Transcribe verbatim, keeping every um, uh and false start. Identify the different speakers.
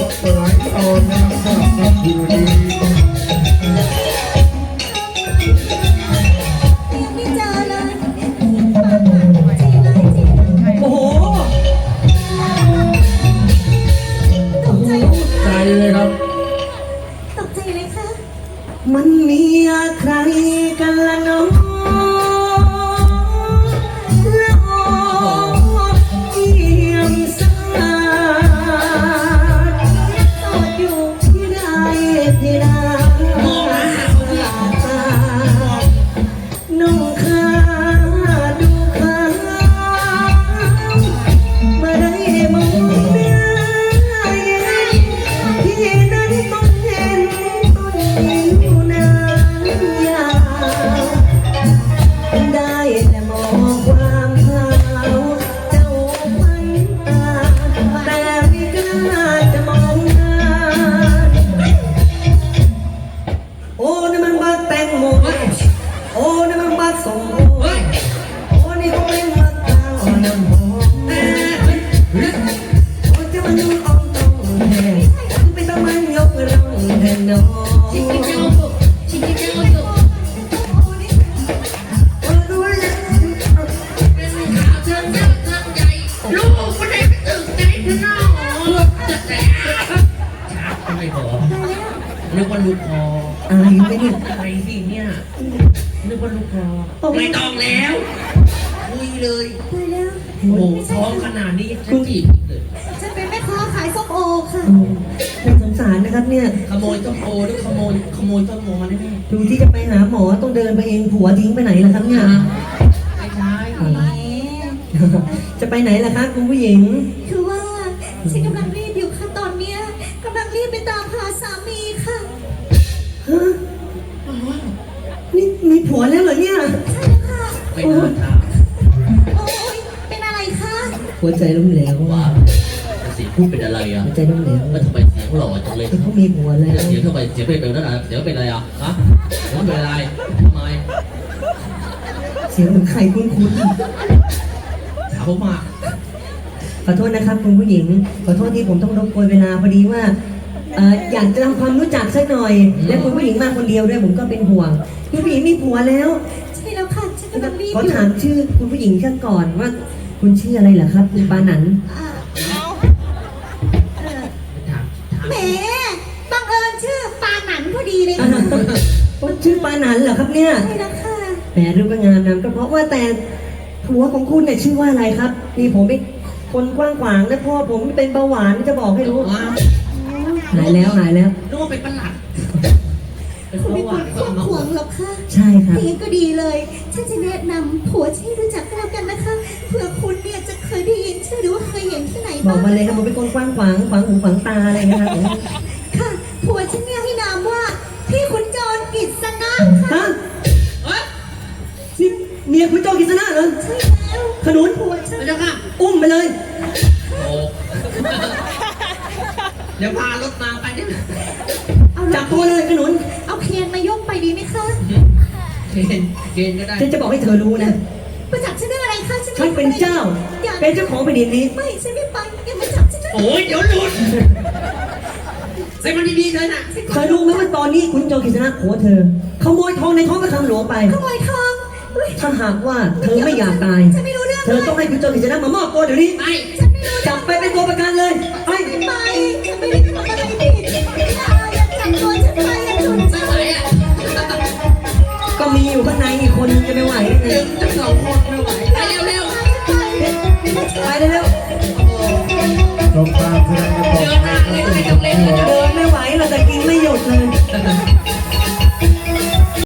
Speaker 1: หลายตอนนะครับสำหรับคืนนี้
Speaker 2: ไม่เจอเลยโอ้โหตกใจ
Speaker 1: ใจเลยครับ
Speaker 2: ตกใจเลยค่ะ
Speaker 3: มันมีใครกันละน้องละออเยี่ยมสาดสอดอยู่ที่ใดที่ใดน้องข้าดูข้ามาได้มองหน้าที่นั้นต้องเห็นต้นนิ้วนางยาวได้แต่มองความขาวเจ้าพันตาแต่ไม่กล้าจะมองหน้าโอ้นี่มันบักแตงโมโอ้นี่มันบักส้มโอโอ้นี่ก็เป็นบักข้าวน้ำหอมโอ้จะมันนุ่มอ่อนต้องแห้งไปต้องมันยกร่องแทนน้องชิคกี้พายชิคกี้พายโอ้รู้แล้ว
Speaker 4: เป็นขาวเชิงยักษ์เชิงใหญ่ลูกคนไหนไปตึกไหนข้างนอกจะแตกชักก็ไม่บอกนึกว่าลูกคอ
Speaker 3: อะไรไม่เนี่ย
Speaker 4: ไปสิเนี่ยนึกว่าลูกคอไม่ต้องแล้วคุยเลย
Speaker 2: ตายแล้ว
Speaker 4: โอ้โหท้องขนาดนี้ฉันจีบเลย
Speaker 2: ฉันเป็นแม่ค้าขายส้มโอค่ะ
Speaker 3: โอ้น่าสงสารนะครับเนี่ย
Speaker 4: ขโมยต้นโพหรือขโมยขโมยต้นโมมาแน่
Speaker 3: ดูที่จะไปหาหมอต้องเดินไปเองผัวทิ้งไปไหนล่ะครับเนี่ย
Speaker 4: ๆไม่ใช่
Speaker 2: แหม
Speaker 3: จะไปไหนล่ะคะคุณผู้หญิง
Speaker 2: คือว่าฉันกำลังรีบอยู่ค่ะตอนเนี้ยกำลังรีบไปตามหาสามีค่ะ
Speaker 3: ฮะนี่มีผัวแล้วเหรอเนี่ย
Speaker 2: ใช่แล้วค่ะ
Speaker 4: ไม่น่าถาม
Speaker 2: โอ้ยเป็นอะไรคะ
Speaker 3: หัวใจล้มเหลว
Speaker 4: ว่าเสียงพูดเป็นอะไรอ่ะ
Speaker 3: หัวใจล้มเหลว
Speaker 4: แล้วทำไมเสียงหล่อจังเลย
Speaker 3: เขามีผัวแล้ว
Speaker 4: เสียงทำไมเสียงเป็นแบบนั้นอ่ะเสียงเป็นอะไรอ่ะฮะเสียงเป็นอะไรทำไม
Speaker 3: เสียงเหมือนใครคุ้น
Speaker 4: ถามผมมา
Speaker 3: ๆขอโทษนะครับคุณผู้หญิง ขอโทษที่ผมต้องรบกวนเวลาพอดีว่าเอ่ออยากจะทำความรู้จักสักหน่อย และคุณผู้หญิงมาคนเดียวด้วยผมก็เป็นห่วงคุณผู้หญิงมีผัวแล้ว
Speaker 2: ใช่แล้วค่ะฉันกำลังรีบ
Speaker 3: ขอ
Speaker 2: อยู่
Speaker 3: ถามชื่อคุณผู้หญิงกันก่อนว่า คุณชื่ออะไรเหรอครับคุณปานัน
Speaker 2: อ่าเออ
Speaker 4: ถามถาม
Speaker 2: แหมบังเอิญชื่อปาหนันพอดีเลยค่ะ
Speaker 3: โอ้ชื่อปานันเหรอครับเนี่ย
Speaker 2: ใช่แล้วค่ะ
Speaker 3: แหมรูปก็งามนามก็เพราะว่าแต่ผัวของคุณเนี่ยชื่อว่าอะไรครับนี่ผมเป็นคนกว้างขวางและพ่อผมเป็นเบาหวานจะบอกให้รู้
Speaker 4: ว่า
Speaker 3: หายแล้วหายแล้ว
Speaker 4: นึกว่าเป็นประหลัดเป็น
Speaker 2: คุณ
Speaker 4: เบา
Speaker 2: ไม่
Speaker 4: ห
Speaker 2: คว
Speaker 4: วาร น
Speaker 2: คว
Speaker 4: ก็
Speaker 2: บ
Speaker 4: มา
Speaker 2: ขวงหรอกค่ะ
Speaker 3: ใช่ครับ
Speaker 2: อย่างนี้ก็ดีเลย ฉันจะแนะนำผัวที่รู้จักกันแล้วกันนะคะ เผื่อคุณเนี่ยจะเคยได้ยินชื่อหรือว่าเคยเห็นที่ไหน
Speaker 3: บอ
Speaker 2: บ้าก ง
Speaker 3: มาเลยครับผมเป็นคนกว้างขวางขวางหูขวางตาอะไรนะครับผม
Speaker 2: ค่ะ ผัวฉันเนี่ยให้นามว่าพี่ขุนจรกิษณะค่ะ
Speaker 3: ฮะ
Speaker 4: เฮ้ย
Speaker 3: นี่เมียคุณโจกิษณะเหรอ
Speaker 2: ใช่แล้ว
Speaker 3: ขนุน
Speaker 2: ผัวฉัน
Speaker 4: ไม่ใช่ค่ะ
Speaker 3: อุ้มไปเลย
Speaker 4: โอ้เดี๋ยวพารถมาไปเนี่ย
Speaker 2: เอา
Speaker 3: จับตัวเลยขนุน
Speaker 2: เอาเคนมายกไปดีไหมคะ
Speaker 4: เกณฑ์เกณฑ์ก็ได้
Speaker 3: ฉันจะบอกให้เธอรู้นะ
Speaker 2: มาจับฉันเรื่องอะไรคะฉัน
Speaker 3: ฉันเป็นเจ้า
Speaker 2: อย่า
Speaker 3: เป็นเจ้าของแผ่นดินนี้
Speaker 2: ไม่ฉันไม่ไปอย่ามาจับฉันนะ
Speaker 4: โอ้ยเดี๋ยวหลุดใส่มันดีๆเลยนะ
Speaker 3: เธอรู้ไหมว่าตอนนี้คุณโจกิษณะผัวเธอขโมยทองในท้องพระคลังหลวงไป
Speaker 2: ขโมยทองเฮ้ย
Speaker 3: ถ้าหากว่าเธอไม่อยากตาย
Speaker 2: ฉันไม่รู้เรื่อง
Speaker 3: เธอต้องให้คุณโจกิษณะมามอบตัวเดี๋ยวนี้
Speaker 4: ไป
Speaker 2: ฉันไม่รู้
Speaker 3: จับไปเป็นตัวประกันเลยไป
Speaker 2: ไม่ไปฉันไม่ได้ทำอะไรผิดอย่าอย่าจับตัวฉันไปอย่าฉุน
Speaker 4: ไม่
Speaker 2: ฉัน
Speaker 4: ไหวอ่ะ
Speaker 3: ก็มีอยู่ข้างในอีกคนนึงจะไม่ไหว
Speaker 4: ดึงทั้งสองคนไม่ไหวไปเร็ว
Speaker 3: ไปเร็ว
Speaker 1: จบการแสดงกันต่อ
Speaker 4: ๆเจอหน้า